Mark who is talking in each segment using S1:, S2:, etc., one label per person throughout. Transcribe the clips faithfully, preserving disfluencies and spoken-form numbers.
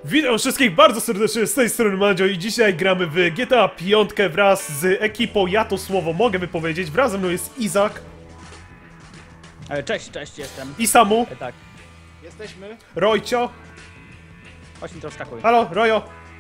S1: Witam wszystkich bardzo serdecznie z tej strony Mandzio i dzisiaj gramy w G T A pięć wraz z ekipą, ja to słowo mogę wypowiedzieć, wraz ze mną jest Izak.
S2: Cześć, cześć, jestem.
S1: I Samu.
S2: E, tak.
S3: Jesteśmy.
S1: Rojcio.
S2: Chodź mi to wskakuj.
S1: Halo, Rojo.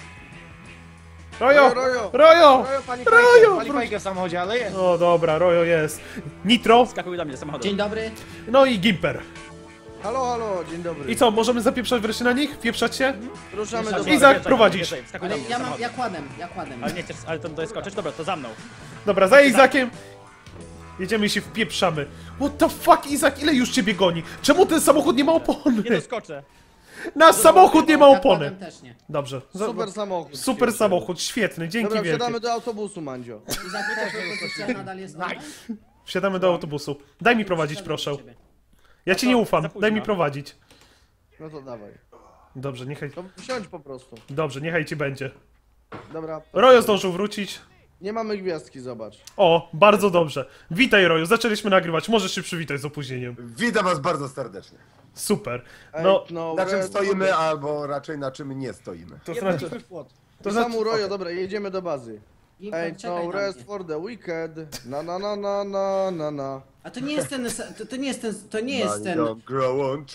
S1: Rojo!
S3: Rojo!
S1: Rojo!
S3: Rojo, pani
S1: Rojo,
S3: Fajkę, pani
S1: wróć.
S3: Fajkę w samochodzie, ale jest.
S1: O dobra, Rojo jest. Nitro.
S2: Wskakuj do mnie samochodem.
S4: Dzień dobry.
S1: No i Gimper.
S3: Halo, halo, dzień dobry.
S1: I co, możemy zapieprzać wreszcie na nich? Pieprzać się?
S3: Ruszamy do
S2: Izak,
S3: bazy.
S1: Izak,
S2: wjeżdżaj,
S1: prowadzisz.
S2: wjeżdżaj, Wskakuj do
S4: Ale
S2: mnie
S4: ja mam,
S2: samochodem.
S4: ja kładem, ja kładem.
S2: Ale nie chcesz, ale to tutaj skoczyć? Dobra, to za mną.
S1: Dobra, za Izakiem. Jedziemy i się wpieprzamy. What the fuck, Izak, ile już ciebie goni? Czemu ten samochód nie ma opony?
S2: Nie doskoczę.
S1: Nasz samochód nie ma
S4: Ja
S1: opony.
S4: kładem też nie.
S1: Dobrze. za-
S3: Super samochód.
S1: Super samochód, świetny, dzięki
S3: Dobra,
S1: wielkie.
S3: wsiadamy do autobusu, Mandzio.
S4: I zapytasz, że pozycja nadal jest online?
S1: Wsiadamy do autobusu. Daj mi prowadzić, proszę. Ja ci nie ufam,
S2: za późno.
S1: daj mi prowadzić.
S3: No to dawaj.
S1: Dobrze, niechaj.
S3: To wsiądź po prostu.
S1: Dobrze, niechaj ci będzie.
S3: Dobra.
S1: Rojo zdążył wrócić.
S3: Nie mamy gwiazdki, zobacz.
S1: O, bardzo dobrze. Witaj, Roju, zaczęliśmy nagrywać. Możesz się przywitać z opóźnieniem.
S5: Witam was bardzo serdecznie.
S1: Super.
S3: Ej,
S1: No,
S3: no,
S5: Na czym
S3: red-
S5: stoimy, albo raczej na czym nie stoimy.
S1: to znaczy.
S3: To
S1: To znaczy.
S3: Samu, Rojo, dobra, jedziemy do bazy.
S4: Gimper,
S3: Ej,
S4: czekaj
S3: no,
S4: na
S3: rest
S4: mnie.
S3: for the weekend. Na na na na na na na.
S4: A to nie jest ten, to, to nie jest ten, to nie jest ten.
S5: Don't grow on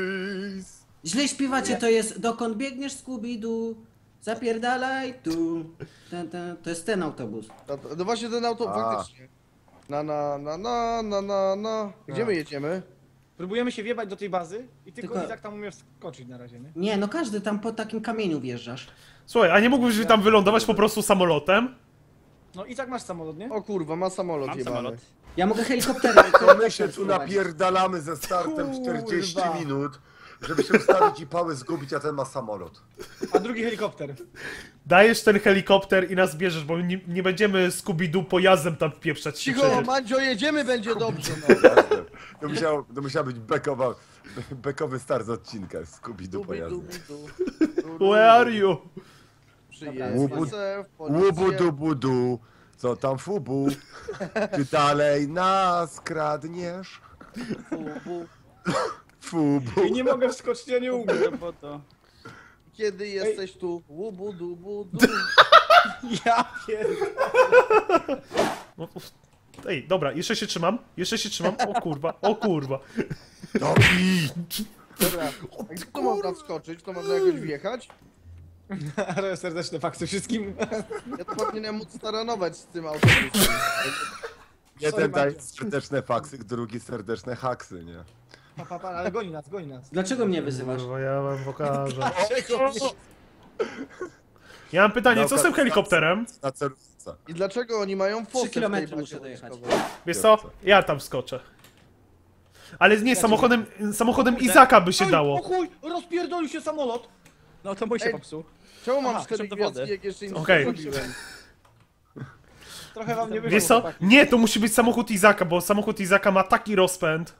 S5: trees.
S4: Źle śpiewacie, to jest dokąd biegniesz Scooby-Doo, zapierdalaj tu. Ten, ten, to jest ten autobus.
S3: No, to- no właśnie ten auto,
S5: A.
S3: faktycznie. Na na na na na na na. Gdzie my jedziemy?
S6: Próbujemy się wjebać do tej bazy i tylko,
S4: Tylko-
S6: Izak tam umie wskoczyć na razie, nie?
S4: Nie, no każdy tam po takim kamieniu wjeżdżasz.
S1: Słuchaj, a nie mógłbyś tam wylądować po prostu samolotem?
S6: No Izak masz samolot, nie?
S3: O kurwa, ma samolot
S2: Mam
S3: jebany.
S2: samolot.
S4: Ja mogę helikopterem.
S5: To my się tu napierdalamy ze startem czterdzieści
S6: Kurwa.
S5: minut, żeby się ustawić i pały zgubić, a ten ma samolot.
S6: A drugi helikopter.
S1: Dajesz ten helikopter i nas bierzesz, bo nie, nie będziemy Scooby-Doo pojazdem tam wpieprzać się
S3: Cicho,
S1: przecież.
S3: Mandzio, jedziemy, będzie dobrze, no.
S5: To musiał, to musiał być bekowa, bekowy start z odcinka Scooby-Doo
S3: Dubi,
S5: pojazdy.
S3: dubi, du.
S1: Where are you?
S3: Przyjeżdża se w
S5: Łubu
S3: policję.
S5: dubu du, co tam fubu? Czy dalej nas kradniesz?
S3: Fubu.
S5: Fubu.
S6: I nie mogę wskoczyć, ja nie umiem.
S2: No po to.
S3: Kiedy jesteś tu? Łubu, dubu, du.
S6: Ja pierdolę.
S1: No, uf. Ej, dobra, jeszcze się trzymam, jeszcze się trzymam. O kurwa, o kurwa.
S5: Dobi!
S3: Dobra, a gdzie tu można wskoczyć? To można jakoś wjechać?
S6: Ale serdeczne fakty wszystkim.
S3: Ja to powinienem móc staranować z tym autobusem.
S5: Jeden daje serdeczne faksy, drugi serdeczne haksy, nie?
S6: Pa, pa, pa, ale goni nas, goni nas.
S4: Dlaczego mnie wyzywasz?
S1: Kurwa, ja wam pokażę.
S6: Dlaczego?
S1: Ja mam pytanie, co z tym helikopterem?
S5: Na celówce.
S3: I dlaczego oni mają fosę w tej
S4: kilometry
S3: bazie
S4: muszę dojechać.
S3: wojskowej?
S1: Wiesz co? Ja tam wskoczę. Ale nie, samochodem, samochodem Izaka by się
S6: Oj,
S1: dało.
S6: O chuj, rozpierdolił się samolot.
S2: No to mój się
S3: Ej.
S2: popsuł.
S3: Czemu mam
S2: Aha,
S3: cztery
S2: szedł do
S3: gwiazdki,
S2: wody.
S3: jak jeszcze nic
S1: Okej.
S3: nie zrobiłem?
S6: Trochę wam nie wyszło.
S1: Wiesz co?
S6: chłopaki.
S1: Nie, to musi być samochód Izaka, bo samochód Izaka ma taki rozpęd.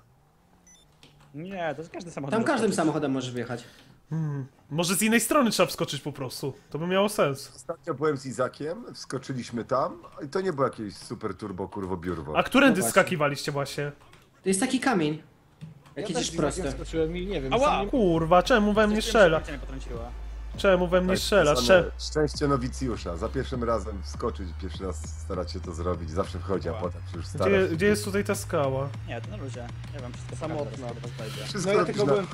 S2: Nie, to jest każdy samochód.
S4: Tam
S2: może
S4: każdym
S2: skoczyć.
S4: samochodem możesz wjechać.
S1: Może z innej strony trzeba wskoczyć po prostu. To by miało sens.
S5: Ostatnio byłem z Izakiem, wskoczyliśmy tam i to nie było jakieś super turbo kurwo biurwo.
S1: A którędy
S4: No właśnie.
S1: skakiwaliście właśnie?
S4: To jest taki kamień.
S6: Ja
S4: Jak
S6: też
S4: jedziesz
S6: Izakiem
S4: prosto.
S6: skoczyłem i nie wiem.
S2: Ała!
S6: sam nie...
S1: Kurwa, czemu we mnie
S2: Coś
S1: strzela?
S2: wiem, że mnie potrąciła.
S1: Czemu we mnie
S5: Tak,
S1: strzela?
S5: zwane
S1: Strzel...
S5: Szczęście nowicjusza. Za pierwszym razem wskoczyć, pierwszy raz starać się to zrobić. Zawsze wchodzi, a
S2: Wow.
S5: potem się już stara.
S1: Gdzie, gdzie jest tutaj ta skała?
S2: Nie, to na luzie. Ja wam wszystko
S3: Samotna.
S2: pokażę, zaraz do was wejdzie.
S5: Wszystko
S6: No ja
S5: robisz
S6: tylko
S5: na...
S6: byłem...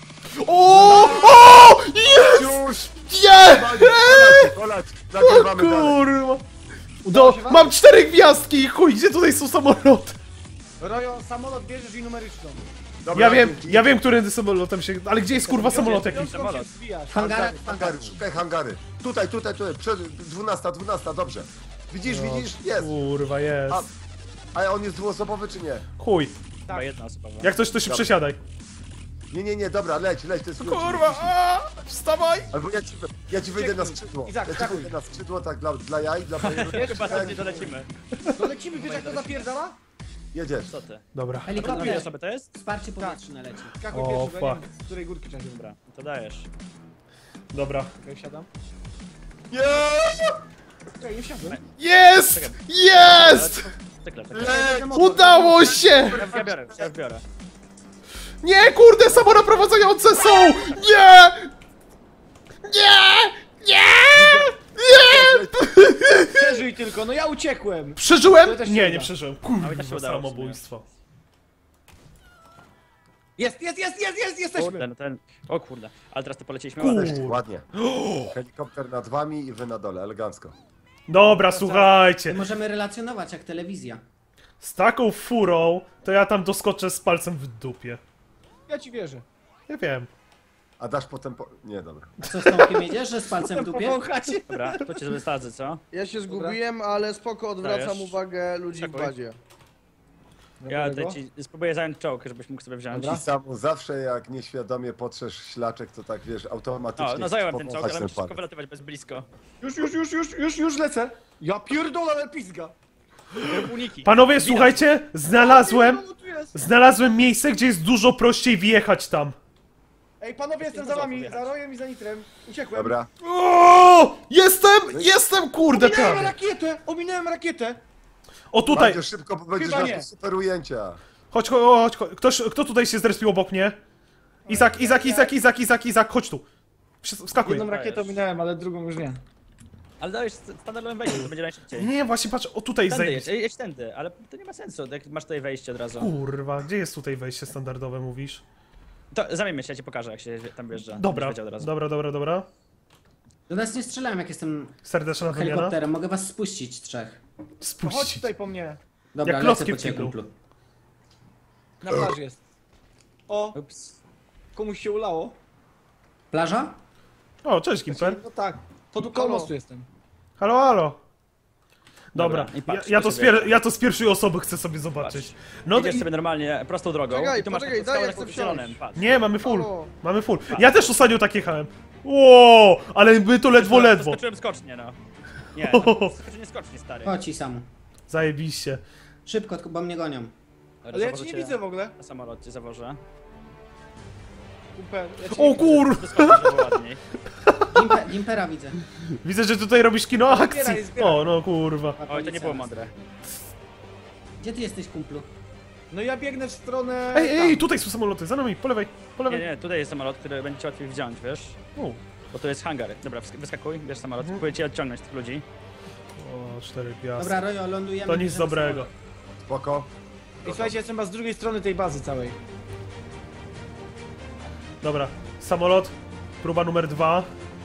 S1: O! O! Jest!
S5: Już!
S1: Nie!
S5: Kolać, kolać,
S1: O
S5: nagrywamy dalej.
S1: kurwa! Do, mam cztery gwiazdki i chuj, gdzie tutaj są samoloty?
S6: Rojo, samolot bierzesz i numeryczną.
S5: Dobra,
S1: Ja wiem,
S5: dzięki.
S1: ja wiem, którędy samolotem się... Ale gdzie jest kurwa samolot jakiś?
S6: Piątką się zwijasz.
S4: W hangarach, w
S5: Hangary,
S4: hangarach.
S5: szukaj hangary. Tutaj, tutaj, tutaj, przed dwunasta, dwunasta, dobrze. Widzisz, widzisz? Jest.
S1: Kurwa, jest.
S5: A, a on jest dwuosobowy czy nie?
S1: Chuj.
S2: Chyba jedna osoba.
S1: Jak coś, to się
S5: Dobra.
S1: przesiadaj.
S5: Nie, nie, nie, dobra, leć, leć, to jest klucz.
S1: Kurwa, a, wstawaj!
S5: Albo ja ci, ja ci wyjdę na skrzydło.
S6: Izak,
S5: Ja ci
S6: skakuj.
S5: wyjdę na skrzydło, tak, dla, dla jaj, dla bajerów.
S2: Chyba tam nie dolecimy.
S6: No lecimy, wiesz jak to zapierdala?
S5: Jedziesz.
S2: Co ty?
S1: Dobra.
S2: A drugie
S4: Helikopter.
S2: osoby to jest?
S4: Wsparcie powietrzne leci.
S6: Skakuj
S1: O,
S6: pierwszy, bo ja nie
S1: fuck.
S6: wiem, z której górki trzeba się wybrać.
S2: Dobra, to dajesz.
S1: Dobra.
S6: Okej, wsiadam.
S5: Nie!
S6: Okej, nie wsiadłem.
S1: Jest! Jest!
S2: Tykle, tykle.
S5: Leć!
S1: Udało się!
S2: Ja, ja biorę, ja biorę.
S1: Nie, kurde, samonaprowadzające są! Nie! Nie!
S6: tylko, no ja uciekłem.
S1: Przeżyłem?
S6: To też się
S1: Nie,
S6: uda.
S1: nie przeżyłem.
S2: A mi też się
S1: Kurwa,
S2: udało w sumie.
S1: samobójstwo.
S6: Jest, jest, jest, jest, jest, jesteśmy.
S2: Kurde, no ten... O kurde, ale teraz to poleciliśmy
S1: Kur-
S2: ładnie.
S5: Ładnie. Helikopter nad wami i wy na dole, elegancko.
S1: Dobra,
S4: I
S1: słuchajcie.
S4: możemy relacjonować jak telewizja.
S1: Z taką furą, to ja tam doskoczę z palcem w dupie.
S6: Ja ci wierzę.
S1: Nie wiem.
S5: A dasz potem po... Nie, dobra.
S4: A co z Tomkiem jedziesz, że z palcem w dupie?
S6: Powąchać.
S2: Dobra, to cię wysadzę, co?
S3: Ja się zgubiłem, ale spoko, odwracam
S2: Dajesz.
S3: uwagę ludzi w
S2: Czekuj.
S3: bazie.
S2: Ja tutaj ci spróbuję zająć czołg, żebyś mógł sobie wziąć.
S5: I samu zawsze jak nieświadomie potrzesz ślaczek, to tak wiesz, automatycznie...
S2: No, no zająłem ten czołg,
S5: powąchać
S2: ale
S5: ten
S2: musisz szybko
S5: palec.
S2: wylatywać bez blisko.
S6: Już, już, już, już, już, już lecę. Ja pierdolę, ale pizga.
S2: Rób uniki.
S1: Panowie, słuchajcie, znalazłem,
S6: Pierdolę, tu jest.
S1: znalazłem miejsce, gdzie jest dużo prościej wjechać tam.
S6: Ej, panowie, jestem za wami, za Rojem i za Nitrem. Uciekłem.
S5: Dobra.
S1: O! Jestem! Jestem, kurde,
S6: Ominąłem
S1: prawie.
S6: rakietę, ominąłem rakietę.
S1: O, tutaj.
S5: Bardzo szybko, bo będziesz
S6: Chyba
S5: miał
S6: nie.
S5: super ujęcia.
S1: Chodź, chodź, chodź. Ktoś, kto tutaj się zrespił obok mnie? Izak, Izak, Izak, Izak, Izak, Izak, chodź tu. Wsz- Wskakuj.
S6: Jedną rakietę ominąłem, ale drugą już nie.
S2: Ale dałeś st- standardowym wejściem, to będzie najszybciej.
S1: Nie, właśnie patrz, o tutaj
S2: Tędy jedź,
S1: zejść.
S2: Ej, jedź tędy, ale to nie ma sensu, jak masz tutaj wejście od razu.
S1: Kurwa, gdzie jest tutaj wejście standardowe, mówisz?
S2: To zamieńmy się, ja ci pokażę, jak się tam wjeżdża.
S1: Dobra,
S2: Będziesz wiedział od razu.
S1: dobra, dobra, dobra.
S4: Do nas nie strzelałem jak jestem
S1: Serdeczna wymiana.
S4: helikopterem, mogę was spuścić trzech.
S6: To chodź
S1: Spuścić.
S6: tutaj po mnie.
S4: Dobra,
S1: Jak
S4: lecę
S1: klocki
S4: po
S1: w
S4: ciebie,
S1: kiblu.
S4: kumplu.
S6: Na plaży jest. O,
S2: Ups.
S6: komuś się ulało.
S1: O,
S4: Plaża?
S1: cześć, Gimper.
S6: No tak, to tu koło mostu jestem.
S1: Halo, halo. Dobra,
S2: Dobra, i
S1: ja,
S2: patrz,
S1: ja,
S2: to
S1: to z
S2: się
S1: pier-
S2: bierze.
S1: ja to z pierwszej osoby chcę sobie zobaczyć. No
S2: Idziesz
S1: i...
S2: sobie normalnie prostą drogą
S3: Czekaj,
S2: i tu masz
S3: poczekaj,
S2: taką
S3: daj,
S2: skałę
S3: ja chcę
S2: pod
S3: wsiąść.
S2: zielonym, patrz.
S1: Nie, mamy full.
S3: Halo.
S1: Mamy full. Ja też ostatnio tak jechałem. Ło, ale my to ledwo, ledwo.
S2: Skoczyłem skocznie, no. Nie, no, skoczyłem skocznie, stary.
S4: Chodź i samu.
S1: Zajebiście.
S4: Szybko, tylko bo mnie gonią.
S2: Dobra,
S6: Ale ja
S2: zawożę
S6: cię nie
S2: cię
S6: widzę w ogóle.
S2: Na samolot cię zawożę.
S6: Super. Ja cię
S1: O
S6: nie widzę.
S1: kur...
S2: Doskoczysz, żeby ładniej.
S4: Gimper, Gimpera widzę.
S1: Widzę, że tutaj robisz kino akcji.
S6: Zbieraj, zbieraj.
S1: O, no kurwa.
S2: Oj, to nie było mądre.
S4: Gdzie ty jesteś, kumplu?
S6: No ja biegnę w stronę...
S1: Ej, ej,
S6: tam.
S1: tutaj są samoloty, za nami, po lewej, po
S2: Nie,
S1: lewej.
S2: nie, tutaj jest samolot, który będzie ci łatwiej wziąć, wiesz?
S1: O,
S2: Bo tu jest hangar. Dobra, wsk- wyskakuj, bierz samolot, próbuję cię odciągnąć tych ludzi.
S1: o cztery gwiazdy.
S4: Dobra, Rojo, lądujemy.
S1: To nic
S4: bierzemy
S1: dobrego.
S4: samolot.
S5: Spoko.
S6: I słuchajcie, jestem chyba z drugiej strony tej bazy całej.
S1: Dobra, samolot, próba numer dwa.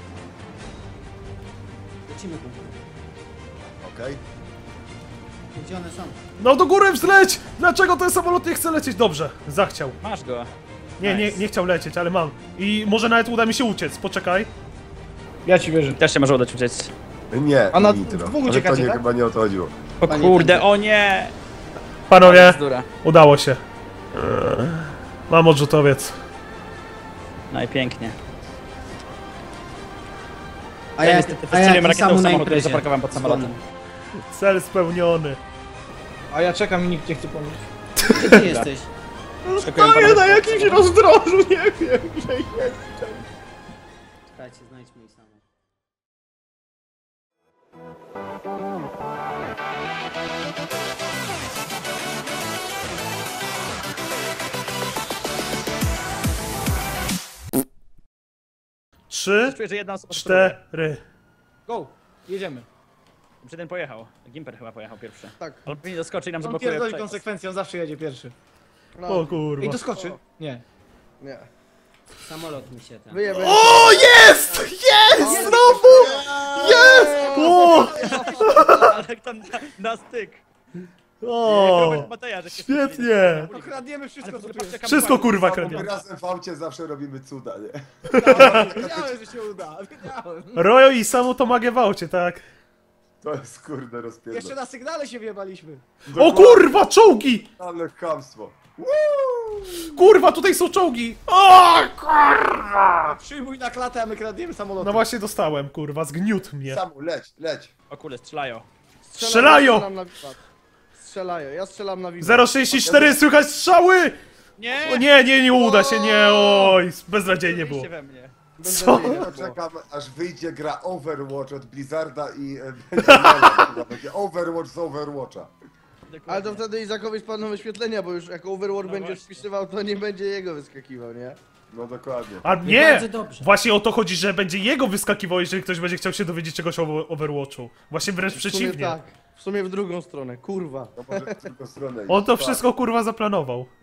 S4: Lecimy, kumplu.
S5: Okej.
S4: Gdzie one są?
S1: No do góry wzleć! Dlaczego ten samolot nie chce lecieć? Dobrze, zachciał.
S2: Masz go.
S1: Nie, nie,
S2: Nice.
S1: nie chciał lecieć, ale mam. I może nawet uda mi się uciec, poczekaj.
S6: Ja ci wierzę.
S2: Też się może udać uciec.
S5: Nie,
S6: A na
S5: nitro.
S6: dwóch
S5: Ale
S6: uciekacie,
S5: to nie,
S6: tak?
S5: chyba nie o to chodziło.
S2: O
S4: Panie
S2: kurde,
S4: tędy.
S2: o nie!
S1: Panowie,
S2: Bzdura.
S1: udało się. Mam odrzutowiec.
S2: Najpięknie.
S4: A
S2: Ja
S4: ja,
S2: niestety
S4: a ja
S2: wystrzeliłem
S4: jak
S2: rakietą
S4: samu
S2: w
S4: na
S2: samochód, który
S4: imprezie.
S2: zaparkowałem pod samolotem.
S1: Cel spełniony.
S6: A ja czekam i nikt nie chce pomóc.
S4: Gdzie ty jesteś?
S2: Skakuję panowie
S6: na
S2: pod
S6: jakimś
S2: samochód.
S6: rozdrożu, nie wiem, gdzie jestem.
S4: Czekajcie, znajdźmy ich samu.
S1: Trzy,
S2: Czuję, że jedna osoba spróbuje.
S1: cztery.
S6: Go, jedziemy.
S2: Czy ten pojechał? Gimper chyba pojechał pierwszy.
S3: Tak.
S2: Ale pewnie doskoczy i nam
S6: On
S2: zablokuje
S6: pierdoli
S2: przejazd.
S6: konsekwencje, on zawsze jedzie pierwszy.
S3: No,
S1: O kurwa.
S6: Ej, doskoczy? Nie.
S3: nie.
S4: Samolot mi się ten.
S3: Wyjebę.
S1: O, jest! Jest! Znowu! Jest! O!
S2: Ale tam na, na styk.
S1: O!
S2: Robert Mateja, że się
S1: Świetnie!
S6: No kradniemy wszystko, co tu jest.
S1: Wszystko kurwa
S5: My
S1: kradnie.
S5: razem w aucie zawsze robimy cuda, nie?
S6: Wiedziałem, że się uda, wiedziałem.
S1: Rojo i Samu to magię w aucie, tak?
S5: To jest kurde
S6: Jeszcze
S5: rozpierdol.
S6: na sygnale się wjebaliśmy.
S1: O kurwa, czołgi!
S5: Ale chamstwo.
S1: Kurwa, tutaj są czołgi! O kurwa!
S6: Przyjmuj na klatę, a my kradniemy samolot.
S1: No właśnie dostałem, kurwa, zgniótł mnie.
S5: Samu, leć, leć.
S2: O kurde, strzelają.
S1: Strzelają!
S3: Strzelam na wiwat. Strzelają, ja strzelam na wiwat.
S1: zero sześćdziesiąt cztery, słychać strzały!
S2: Nie!
S1: O nie, nie, nie uda się, nie, oj, beznadziejnie było.
S2: we mnie.
S1: Co?
S5: Ja czekam, aż wyjdzie gra Overwatch od Blizzarda i e, będzie mema, chyba będzie Overwatch z Overwatcha.
S3: Ale to wtedy Izakowi spadną wyświetlenia, bo już jak Overwatch
S2: No
S3: będzie
S2: właśnie.
S3: wpisywał, to nie będzie jego wyskakiwał, nie?
S5: No dokładnie.
S1: A
S4: I
S1: nie!
S4: bardzo dobrze.
S1: Właśnie o to chodzi, że będzie jego wyskakiwało, jeżeli ktoś będzie chciał się dowiedzieć czegoś o Overwatchu. Właśnie wręcz
S6: W sumie
S1: przeciwnie.
S6: tak. W sumie w drugą stronę, kurwa.
S5: To może w drugą stronę
S1: On
S5: iść.
S1: to
S5: Tak.
S1: wszystko kurwa zaplanował.